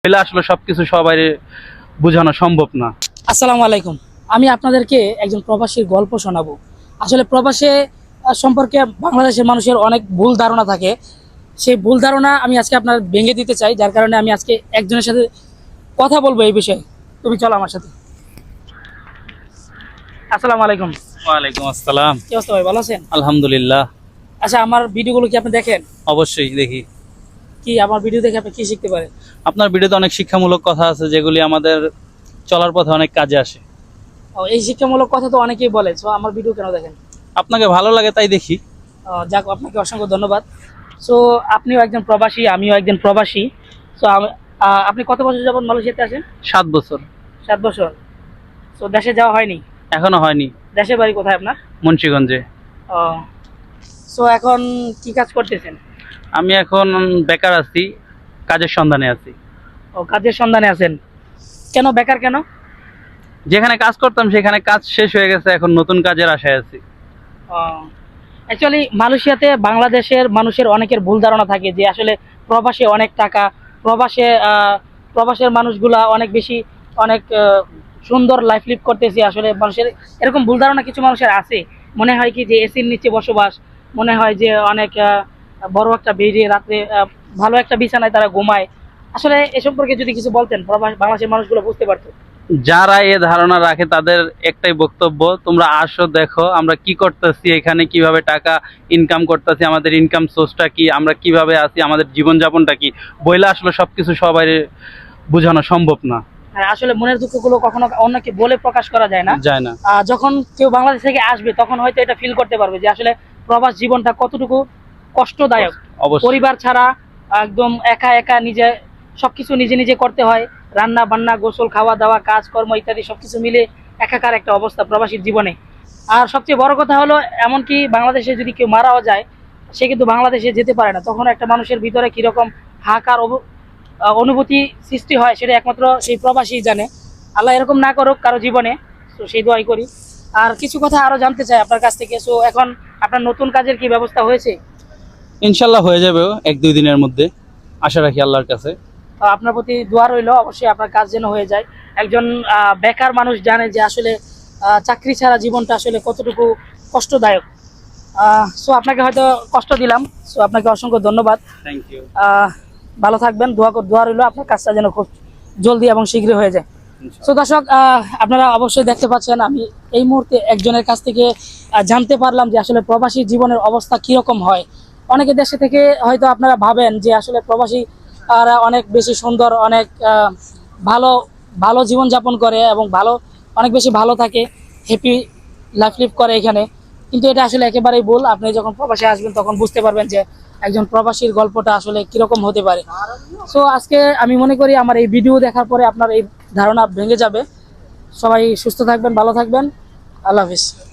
পেলে আসলে সবকিছু সবাই বোঝানো সম্ভব না। আসসালামু আলাইকুম। আমি আপনাদেরকে একজন প্রবাসীর গল্প শোনাবো। আসলে প্রবাসে সম্পর্কে বাংলাদেশের মানুষের অনেক ভুল ধারণা থাকে। সেই ভুল ধারণা আমি আজকে আপনার ভেঙে দিতে চাই, যার কারণে আমি আজকে একজনের সাথে কথা বলবো এই বিষয়ে। তুমি চলো আমার সাথে। আসসালামু আলাইকুম। ওয়ালাইকুম আসসালাম। কি অবস্থা ভাই, ভালো আছেন? আলহামদুলিল্লাহ। আচ্ছা, আমার ভিডিওগুলো কি আপনি দেখেন? অবশ্যই দেখি। কি আমার ভিডিও দেখে আপনি কি শিখতে পারেন? আপনার ভিডিওতে অনেক শিক্ষামূলক কথা আছে যেগুলি আমাদের চলার পথে অনেক কাজে আসে। এই শিক্ষামূলক কথা তো অনেকেই বলে, তো আমার ভিডিও কেন দেখেন? আপনাকে ভালো লাগে তাই দেখি। যাক, আপনাকে অসংখ্য ধন্যবাদ। সো আপনিও একজন প্রবাসী, আমিও একজন প্রবাসী। সো আপনি কত বছর যাবত মালয়েশিয়াতে আছেন? 7 বছর। 7 বছর। তো দেশে যাওয়া হয়নি? এখনো হয়নি। দেশের বাড়ি কোথায় আপনার? মুন্সিগঞ্জে। সো এখন কি কাজ করতেছেন? আমি এখন বেকার আছি, কাজের সন্ধানে আছি। ও, কাজের সন্ধানে আছেন। কেন বেকার কেন? যেখানে কাজ করতাম সেখানে কাজ শেষ হয়ে গেছে, এখন নতুন কাজের আশায় আছি। অ্যাকচুয়ালি মালয়েশিয়াতে বাংলাদেশের মানুষের অনেকের ভুল ধারণা থাকে যে আসলে প্রবাসে অনেক টাকা, প্রবাসে প্রবাসের মানুষগুলা অনেক বেশি, অনেক সুন্দর লাইফ লিভ করতেছে। আসলে মানুষের এরকম ভুল ধারণা কিছু মানুষের আছে। মনে হয় কি যে এসির নিচে বসবাস, মনে হয় যে অনেক বড় একটা বেডে রাত্রে ভালো একটা বিছানায় তারা ঘুমায়। আসলে এ সম্পর্কে যদি কিছু বলতেন, বাংলাদেশের মানুষগুলো বুঝতে পারতো। যারা এ ধারণা রাখে তাদের একটাই বক্তব্য, তোমরা আসো, দেখো আমরা কি করতেছি, এখানে কিভাবে টাকা ইনকাম করতেছি, আমাদের ইনকাম সোর্সটা কি, আমরা কিভাবে আছি, আমাদের জীবনযাপনটা কি। বইলে আসলে সবকিছু সবাই বোঝানো সম্ভব না। হ্যাঁ, আসলে মনের দুঃখগুলো কখনো অন্যকে বলে প্রকাশ করা যায় না। যায় না। যখন কেউ বাংলাদেশ থেকে আসবে তখন হয়তো এটা ফিল করতে পারবে যে আসলে প্রবাস জীবনটা কতটুকু কষ্টদায়ক। অবশ্যই। পরিবার ছাড়া একদম একা একা নিজে সবকিছু নিজে নিজে করতে হয়। রান্না বান্না, গোসল, খাওয়া দাওয়া, কাজকর্ম ইত্যাদি সবকিছু মিলে একাকার একটা অবস্থা প্রবাসীর জীবনে। আর সবচেয়ে বড় কথা হলো, এমনকি বাংলাদেশে যদি কেউ মারাও যায়, সে কিন্তু বাংলাদেশে যেতে পারে না। তখন একটা মানুষের ভিতরে কিরকম হাহাকার অনুভূতি সৃষ্টি হয় সেটা একমাত্র সেই প্রবাসী জানে। আল্লাহ এরকম না করুক কারো জীবনে। তো সেই দোয়াই করি। আর কিছু কথা আরো জানতে চাই আপনার কাছ থেকে। সো এখন আপনার নতুন কাজের কি ব্যবস্থা হয়েছে? ইনশাল্লাহ হয়ে যাবে 1-2 দিনের মধ্যে, আশা রাখি আল্লাহর কাছে। আপনার প্রতি দোয়া রইলো, অবশ্যই আপনার কাজ যেন হয়ে যায়। একজন বেকার মানুষ জানে যে আসলে চাকরি ছাড়া জীবনটা আসলে কতটুকু কষ্টদায়ক। সো আপনাকে হয়তো কষ্ট দিলাম। সো আপনাকে অসংখ্য ধন্যবাদ। Thank you. ভালো থাকবেন, দোয়া রইলো আপনার কাজটা যেন খুব জলদি এবং শীঘ্রই হয়ে যায়। তো দর্শক, আপনারা অবশ্যই দেখতে পাচ্ছেন আমি এই মুহূর্তে একজনের কাছ থেকে জানতে পারলাম যে আসলে প্রবাসী জীবনের অবস্থা কিরকম হয়। অনেকে দেশে থেকে হয়তো আপনারা ভাবেন যে আসলে প্রবাসী অনেক বেশি সুন্দর, অনেক ভালো ভালো জীবনযাপন করে এবং অনেক বেশি ভালো থাকে, হ্যাপি লাইফ লিভ করে এখানে। কিন্তু এটা আসলে একেবারেই ভুল। আপনি যখন প্রবাসে আসবেন তখন বুঝতে পারবেন যে একজন প্রবাসীর গল্পটা আসলে কিরকম হতে পারে। সো আজকে আমি মনে করি আমার এই ভিডিও দেখার পরে আপনার এই ধারণা ভেঙে যাবে। সবাই সুস্থ থাকবেন, ভালো থাকবেন। আল্লাহ হাফিজ।